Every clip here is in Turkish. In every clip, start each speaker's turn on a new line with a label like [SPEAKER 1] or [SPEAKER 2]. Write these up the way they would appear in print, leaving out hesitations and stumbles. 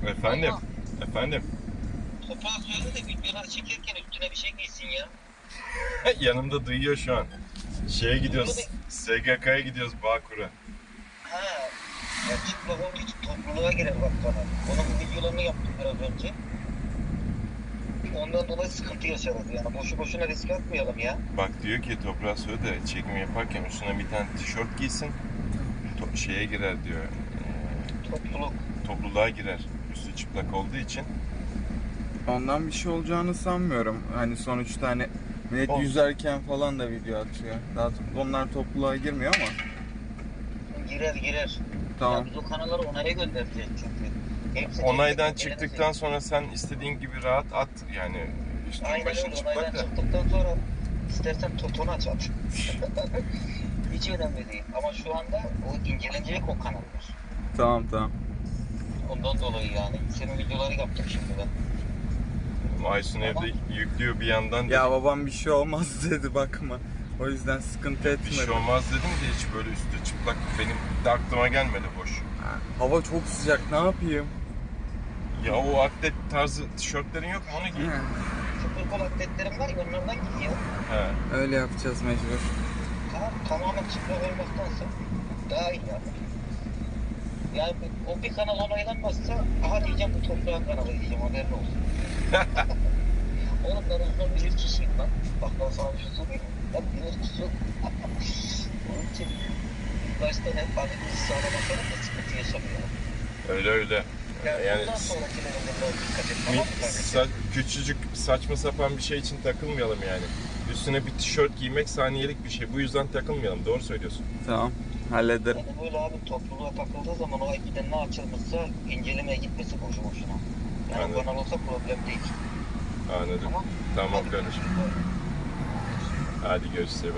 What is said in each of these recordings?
[SPEAKER 1] Efendim?
[SPEAKER 2] Ama
[SPEAKER 1] Efendim?
[SPEAKER 2] toprağa söyle de videoları çekerken üstüne bir şey giysin ya.
[SPEAKER 1] Yanımda duyuyor şu an. Şeye
[SPEAKER 2] Duyuyor
[SPEAKER 1] gidiyoruz.
[SPEAKER 2] da
[SPEAKER 1] SGK'ya gidiyoruz Bağkur'a.
[SPEAKER 2] ha. Ya çıplak olduğu için topluluğa girer bak kanal. Onun videolarını yaptım biraz önce. Ondan dolayı sıkıntı yaşarız yani. Boşu boşuna risk atmayalım ya.
[SPEAKER 1] Bak diyor ki toprağa söyle de çekim yaparken üstüne bir tane tişört giysin. Şeye girer diyor.
[SPEAKER 2] Topluluk.
[SPEAKER 1] Topluluğa girer. Üstü çıplak olduğu için.
[SPEAKER 3] Ondan bir şey olacağını sanmıyorum. Hani sonuçta hani millet
[SPEAKER 1] Ol-
[SPEAKER 3] yüzerken falan da video atıyor. Daha onlar topluluğa girmiyor ama.
[SPEAKER 2] Girer.
[SPEAKER 3] Tamam.
[SPEAKER 2] Ya biz o kanalları onaya göndereceğiz çünkü. Hepsi
[SPEAKER 1] Onaydan
[SPEAKER 2] tek tek
[SPEAKER 1] çıktıktan
[SPEAKER 2] elenecek.
[SPEAKER 1] sonra sen istediğin gibi rahat at. Yani üstün
[SPEAKER 2] Aynen
[SPEAKER 1] başın
[SPEAKER 2] öyle.
[SPEAKER 1] çıplak
[SPEAKER 2] Onaydan
[SPEAKER 1] da.
[SPEAKER 2] çıktıktan sonra istersen totonu aç at. Hiç önemli değil. Ama şu anda o incelenecek o kanallar.
[SPEAKER 3] Tamam.
[SPEAKER 2] Ondan dolayı yani. Senin videoları yaptım şimdi ben.
[SPEAKER 1] Aysun
[SPEAKER 2] Ama-
[SPEAKER 1] evde yüklüyor bir yandan.
[SPEAKER 3] Ya babam bir şey olmaz dedi bakma. O yüzden sıkıntı
[SPEAKER 1] Bir
[SPEAKER 3] etmedi.
[SPEAKER 1] şey olmaz dedim de hiç böyle üstü çıplak benim de aklıma gelmedi boş.
[SPEAKER 3] Ha, hava çok sıcak, ne yapayım?
[SPEAKER 1] Ya o atlet tarzı tişörtlerin yok mu onu giy.
[SPEAKER 2] Sıfır kol atletlerim var ya onlardan giyiyor.
[SPEAKER 1] He.
[SPEAKER 3] Öyle yapacağız mecbur.
[SPEAKER 2] Tamam tamamen çıplak olmaktansa daha iyi yani. Yani o bir kanal onaylanmazsa aha diyeceğim bu toprağın kanalı diyeceğim haberin olsun. Oğlum ben uzun bilir kişiyim lan. Bak ben sana bir şey söyleyeyim mi? Ben bilir kişiyim. Onun için ilk başta hep adımızı sağlamasalım da sıkıntı yaşamayalım.
[SPEAKER 1] Öyle. Yani
[SPEAKER 2] bundan sonrakilerinde böyle dikkat et tamam mı kardeşim?
[SPEAKER 1] küçücük saçma sapan bir şey için takılmayalım yani. Üstüne bir tişört giymek saniyelik bir şey. Bu yüzden takılmayalım. Doğru söylüyorsun.
[SPEAKER 3] Tamam, hallederim.
[SPEAKER 2] Yani böyle abi topluluğa takıldığı zaman o ekiden ne açılmışsa incelemeye gitmesi boşu boşuna. Yani
[SPEAKER 1] Anladım.
[SPEAKER 2] kanal olsa problem değil.
[SPEAKER 1] Anladım.
[SPEAKER 2] Tamam.
[SPEAKER 1] Tamam
[SPEAKER 2] Hadi
[SPEAKER 1] kardeşim.
[SPEAKER 2] görüşürüz.
[SPEAKER 1] Hadi görüşürüz.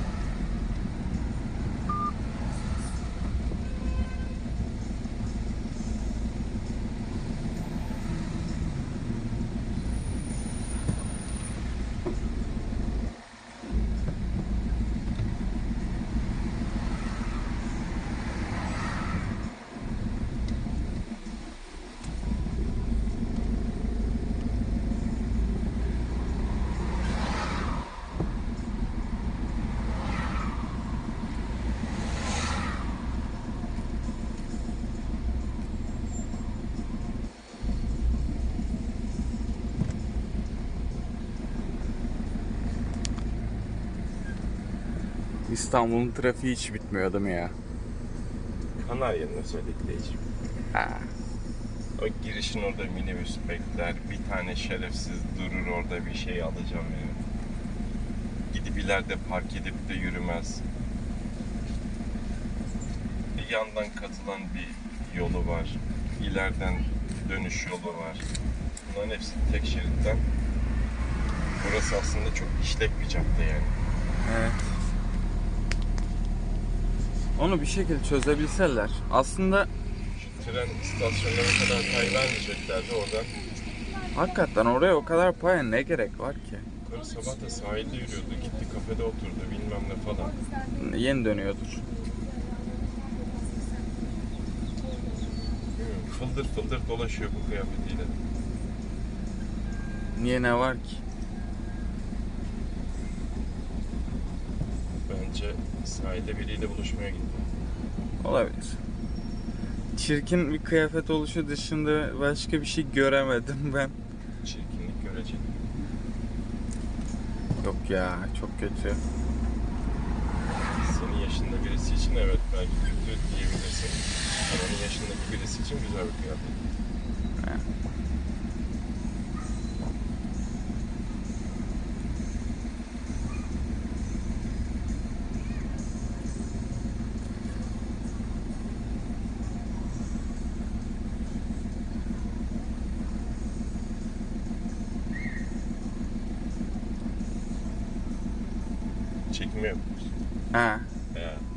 [SPEAKER 3] İstanbul'un trafiği hiç bitmiyor değil mi ya?
[SPEAKER 1] Kanarya'nın özellikle.
[SPEAKER 3] Ha.
[SPEAKER 1] O girişin orada minibüs bekler. Bir tane şerefsiz durur orada bir şey alacağım yani. Gidip ileride park edip de yürümez. Bir yandan katılan bir yolu var. İleriden dönüş yolu var. Bunların hepsi tek şeritten. Burası aslında çok işlek bir cadde yani.
[SPEAKER 3] Evet. Onu bir şekilde çözebilseler. Aslında
[SPEAKER 1] Şu tren istasyonlarına kadar pay vermeyeceklerdi oradan.
[SPEAKER 3] hakikaten oraya o kadar paya ne gerek var ki?
[SPEAKER 1] Yukarı sabah da sahilde yürüyordu. Gitti kafede oturdu bilmem ne falan.
[SPEAKER 3] Yeni dönüyordur.
[SPEAKER 1] Fıldır fıldır dolaşıyor bu kıyafetiyle.
[SPEAKER 3] Niye, ne var ki?
[SPEAKER 1] Bence sahilde biriyle buluşmaya gitti.
[SPEAKER 3] Olabilir. Çirkin bir kıyafet oluşu dışında başka bir şey göremedim ben.
[SPEAKER 1] Çirkinlik görecek.
[SPEAKER 3] Yok ya, çok kötü.
[SPEAKER 1] Senin yaşında birisi için evet belki kötü diyebilirsin. Ama onun yaşındaki birisi için güzel bir kıyafet. Çekim yapıyoruz.
[SPEAKER 3] Ha.
[SPEAKER 1] Ya.